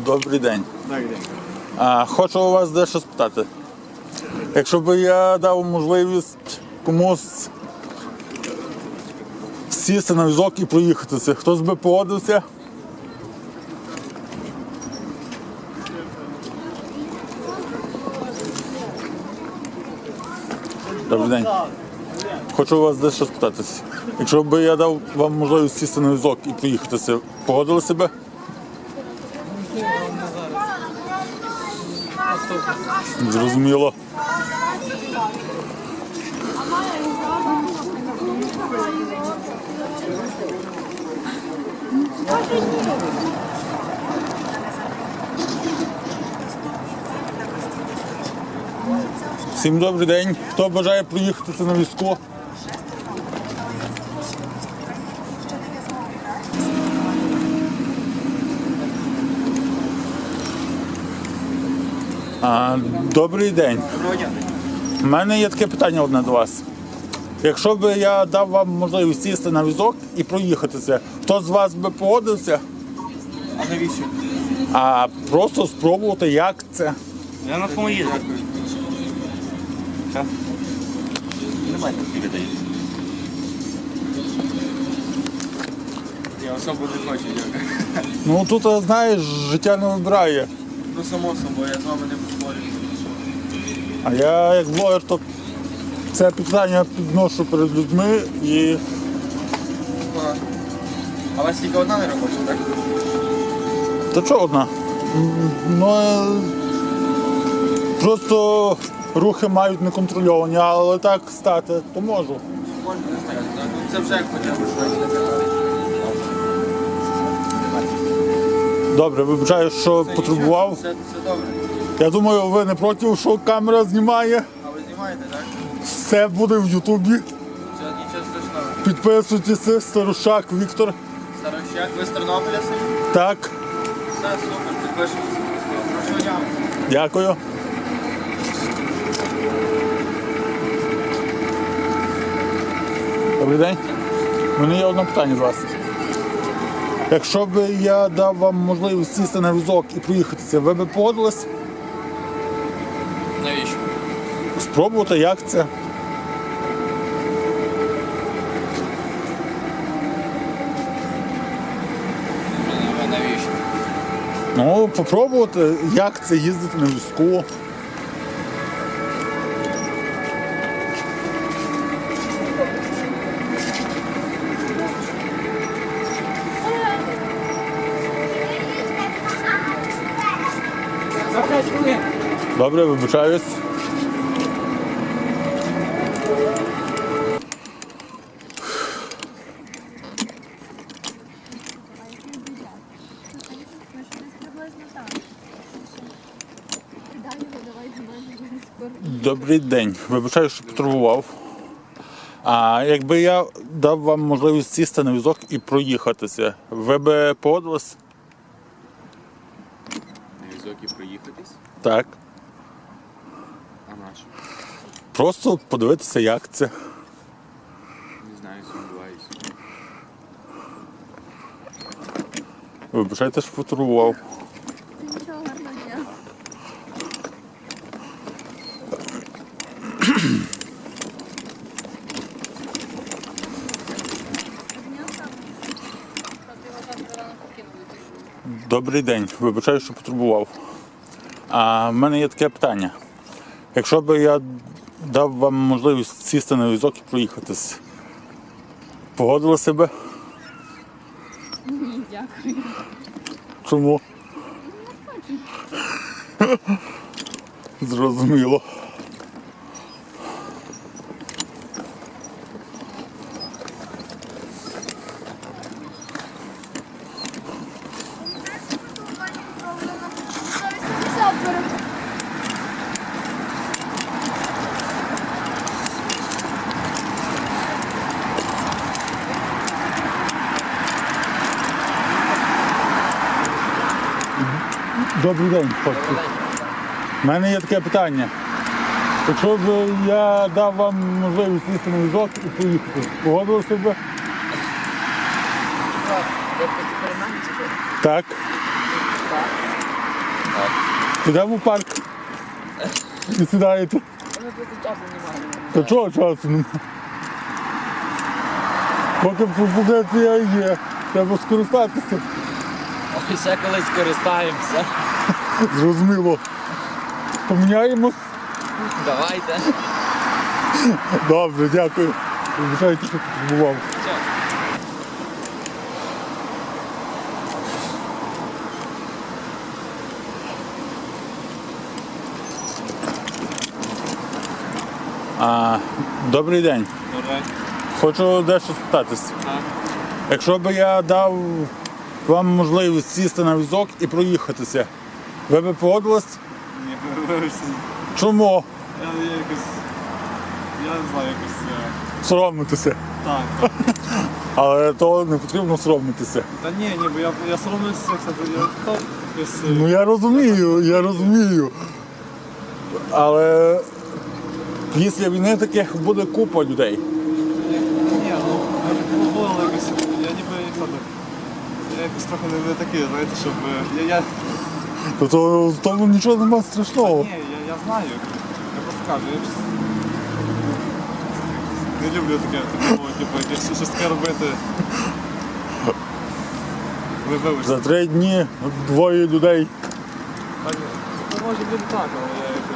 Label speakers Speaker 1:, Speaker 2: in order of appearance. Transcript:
Speaker 1: Добрий день.
Speaker 2: Добрий день.
Speaker 1: Хочу у вас дещо спитати. Якщо б я дав можливість комусь сісти на візок і проїхатися, хтось би погодився? Добрий день. Хочу у вас дещо спитатися. Якщо б я дав вам можливість сісти на візок і проїхатися, погодилися б? Зрозуміло. Всім добрий день. Хто бажає проїхатися на візку? Добрий день.
Speaker 2: Доброго дня.
Speaker 1: У мене є таке питання одне до вас. Якщо б я дав вам можливість сісти на візок і проїхатися, хто з вас би погодився?
Speaker 2: А навіщо?
Speaker 1: Просто спробувати, як це.
Speaker 2: Я на тому їду. Час. Немає таких людей. Я особо не хочу, дякую.
Speaker 1: Ну тут, знаєш, життя не вибирає.
Speaker 2: Ну само собою, я з вами не поспорю.
Speaker 1: А я як блогер, то це питання підношу перед людьми і
Speaker 2: Ага. А у вас тільки одна не робоча, так?
Speaker 1: та чого одна? Просто рухи мають неконтрольовані, але так стати, то можу.
Speaker 2: Можна не стояти, так? Ну, це вже як хоча б щось.
Speaker 1: Добре, вибачаю, що
Speaker 2: Це
Speaker 1: потребував.
Speaker 2: нічого, Все добре.
Speaker 1: Я думаю, ви не проти, що камера знімає.
Speaker 2: А ви знімаєте, так?
Speaker 1: Все буде в Ютубі.
Speaker 2: Нічого страшного.
Speaker 1: Підписуйтесь, Старушак Віктор.
Speaker 2: Старощак, ви з Тернополя самі?
Speaker 1: Так,
Speaker 2: Все, супер, підпишемося. Хорошого дня.
Speaker 1: дякую. Добрий день. У мене є одне питання з вас. Якщо б я дав вам можливість сісти на візок і проїхатися, ви б погодились?
Speaker 2: Навіщо?
Speaker 1: Спробувати, як це?
Speaker 2: Навіщо?
Speaker 1: Ну, попробувати, як це їздити на візку. Добре, вибачаюсь. Добрий день. Вибачаю, що потребував. Якби я дав вам можливість сісти на візок і проїхатися, ви б погодились?
Speaker 3: На візок і проїхатись?
Speaker 1: Так.
Speaker 3: А нащо?
Speaker 1: Просто подивитися, як це.
Speaker 3: Не знаю, сумніваюся.
Speaker 1: Вибачайте, що потребував.
Speaker 4: Нічого, гарного дня.
Speaker 1: Добрий день. Вибачаю, що потребував. В мене є таке питання. Якщо б я дав вам можливість сісти на візок і проїхатися, погодилися б?
Speaker 4: Ні, дякую.
Speaker 1: Чому? Зрозуміло. Добрий день, хлопці. У мене є таке питання. Якщо б я дав вам можливість сісти на візок і поїхати, погодилися б? Так. Підемо в парк. І сідаєте.
Speaker 2: Але тут часу немає.
Speaker 1: Та чого часу немає? Поки пропозиція є, треба скористатися.
Speaker 2: Ой, ще колись скористаємося.
Speaker 1: Зрозуміло. Поміняємось?
Speaker 2: Давайте.
Speaker 1: Добре, дякую. Вибачайте, що потребував. Добрий день.
Speaker 3: Добре.
Speaker 1: Хочу дещо спитатись.
Speaker 3: Так.
Speaker 1: Якщо б я дав вам можливість сісти на візок і проїхатися, ви б погодились?
Speaker 3: Ні, вибачте.
Speaker 1: Чому?
Speaker 3: Я якось... Я не знаю, якось...
Speaker 1: Соромитися.
Speaker 3: Так.
Speaker 1: Але то не потрібно соромитися.
Speaker 3: Та ні, бо я соромлюся, кстати, я то якось...
Speaker 1: Ну я розумію. Але після війни таких буде купа людей.
Speaker 3: Ні, було якось... Я ніби, як сказати... Я якось трохи не такий, знаєте, щоб...
Speaker 1: То в тому нічого немає страшного.
Speaker 3: Ні, я знаю. Я просто кажу, я щось... Не люблю таке, типу, щось таке робити. Ви вибачте.
Speaker 1: За 3 дні 2 людей.
Speaker 3: Так, може бути так, але я